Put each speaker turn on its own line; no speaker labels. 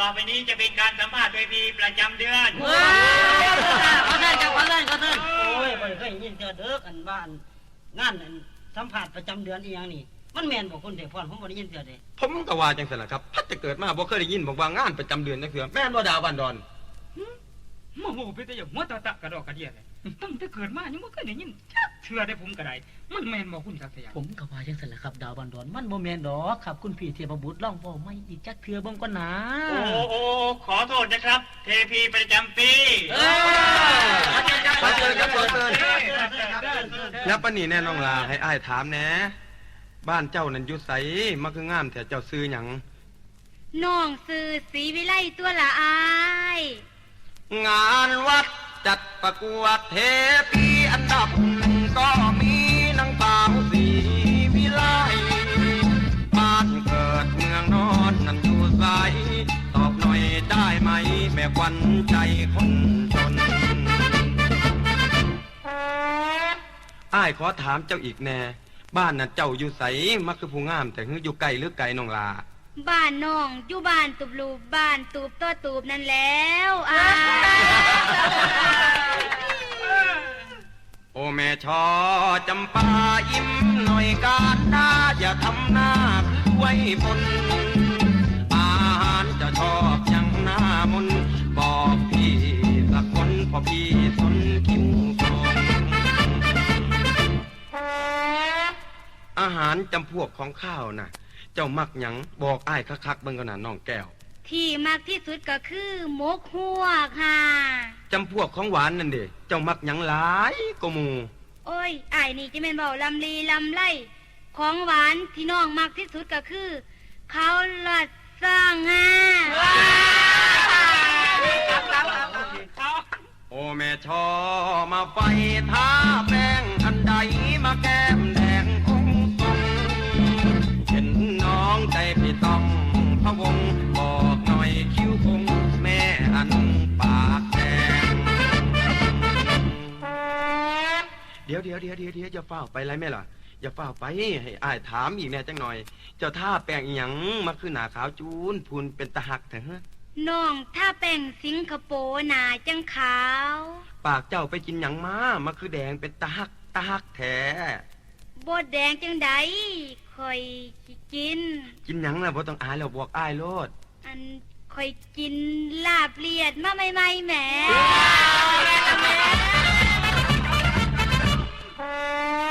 ต่อไปนี้จะเป็นการสัมภาษณ์เวทีประจำเดือน
ขอเชิญครับขอเชิญโอ้ยบ่เคยยินเจอเด้ออันบ้านงานสัมภาษณ์ประจำเดือนอีหยังนี่มันแม่นบ่คุณเทพรผมบ่ได้ยินเจอเด้
ผมก็ว่าจังซั่นล่ะครับพัดจะเกิดมาบ่เคยได้ยินบอกว่างานประจำเดือนจังซี่แม่นบ่ดาวบันดอน
มาโหเป็นแต่อย่างหัวตะกระดอกกระเดียเลยตั้งแต่เกิดมายังไม่เคยได้ยินจักเชื่อได้ผมก็ได้มันแมนบอกคุณศักดิ์สยาม
ผมก็ว่าจังซั่นล่ะครับดาวบันดอนมันบ่แม่นดอกครับคุณพี่เทพบุตรลองเว้าใหม่อีกจักเทื่อเบิ่งก่อนนะ
โอ้ขอโทษนะครับเทพีประจำปี
ขอเชิญครับขอเชิญแล้วปานนี้แน่น้องลาให้อ้ายถามแหน่บ้านเจ้านั่นอยู่ไสมาคืองามแต่เจ้าซื้อหยัง
น้องซื้อศรีวิไลตัวละอาย
งานวัดจัดประกวดเทพีอันดับหนึ่งก็มีนางสาวศรีวิไลบ้านเกิดเมืองนอนนั่นอยู่ไสตอบหน่อยได้ไหมแม่ขวัญใจคนจนอ้ายขอถามเจ้าอีกแน่บ้านน่ะเจ้าอยู่ไสมักคือผู้งามแต่คืออยู่ไกลหรือไกลน้องลา
บ้านน้องอยู่บ้านตูบลูบ้านตูบตัวตูบนั่นแล้ว
โอ้แม่ชอจำปายิ้มหน่อยการหน้าอย่าทำหน้าคือไว้บนอาหารจะชอบยังหน้ามนบอกพี่สักคนพอพี่สนคิ้วทองอาหารจำพวกของข้าวน่ะเจ้ามักหยังบอกอ้ายคักๆเบิ่งก่อนน่ะน้องแก้ว
ที่มักที่สุดก็คือหมกหัวค่ะ
จำพวกของหวานนั่นเด้เจ้ามักหยังหลายก็หมู่
โอ้ยอ้ายนี่จะแม่นเว้าลำลีลำไล่ของหวานที่น้องมักที่สุดก็คือข้าวลัดสร้างค่ะ
โอ้แม่ชอมาไฟท้าแป้งอันใดมาแก้มแดงคงต้องเห็นน้องใจพี่ต้องพะวงบอกหน่อยคิ้วคงแม่อันปากแดงเดี๋ยวอย่าเฝ้าไปไรแม่ล่ะอย่าเฝ้าไปให้อ้ายถามอีกแน่จังหน่อยเจ้าท่าแป้งอีหยังมาคือหน้าขาวจูนพูนเป็นตะหักเถอะ
น้องถ้าแป้งสิงคโปร์หนาจังขาว
ปากเจ้าไปกินหยังมาคือแดงเป็นตะหักแท้
บดแดงจังใดคอยกิน
หยังล่ะบ่ต้องอายแล้วบอกอ้ายโลด
อันคอยกินลาบเลียดมาใหม่ๆแหม